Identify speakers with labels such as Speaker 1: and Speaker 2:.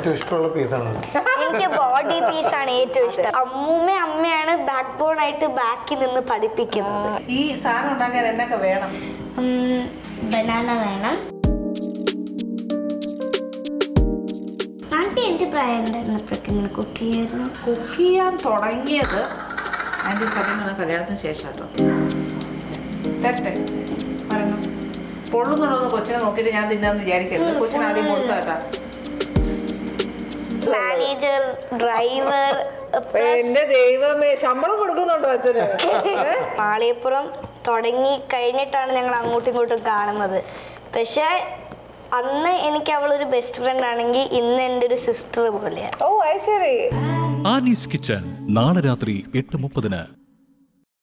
Speaker 1: ഏറ്റവും ഇഷ്ടമുള്ള പീസാണ്.
Speaker 2: എനിക്ക് ബോഡി പീസാണ് ഏറ്റവും ഇഷ്ടം. അമ്മയാണ് ബാക്ക് ബോൺ ആയിട്ട് ബാക്കിൽ നിന്ന് പഠിപ്പിക്കുന്നത്.
Speaker 3: ഈ സാധനം ഉണ്ടാക്കാൻ എന്നൊക്കെ വേണം?
Speaker 2: ബനാന വേണം. ആന്റി എൻ്റെ പ്രായം ഉണ്ടായിരുന്നപ്പോഴൊക്കെ ഇങ്ങനെ കുക്ക് ചെയ്യായിരുന്നു.
Speaker 3: കുക്ക് ചെയ്യാൻ തുടങ്ങിയത് ആൻറ്റി സത്യം പറഞ്ഞ കല്യാണത്തിന് ശേഷം കേട്ടോ. തരട്ടെ പറയണം. പൊള്ളുന്നുണ്ടോന്ന് കൊച്ചിനെ നോക്കിയിട്ട് ഞാൻ തിന്നാന്ന് വിചാരിക്കരുത്. കൊച്ചിന് ആദ്യം കൊടുത്ത കേട്ടാ.
Speaker 2: മാനേജർ, ഡ്രൈവർ,
Speaker 4: എന്റെ ദൈവമേ, ശമ്പളം കൊടുക്കുന്നുണ്ടോ അച്ഛന്?
Speaker 2: മാളിയപ്പുറം തുടങ്ങി കഴിഞ്ഞിട്ടാണ് ഞങ്ങൾ അങ്ങോട്ടും ഇങ്ങോട്ടും കാണുന്നത്. പക്ഷെ അന്ന് എനിക്ക് അവളൊരു ബെസ്റ്റ് ഫ്രണ്ട് ആണെങ്കിൽ ഇന്ന് എൻ്റെ ഒരു സിസ്റ്റർ പോലെയാണ്.
Speaker 4: ഓ അത് ശരി.
Speaker 5: ആനീസ് കിച്ചൺ നാളെ രാത്രി 8:30.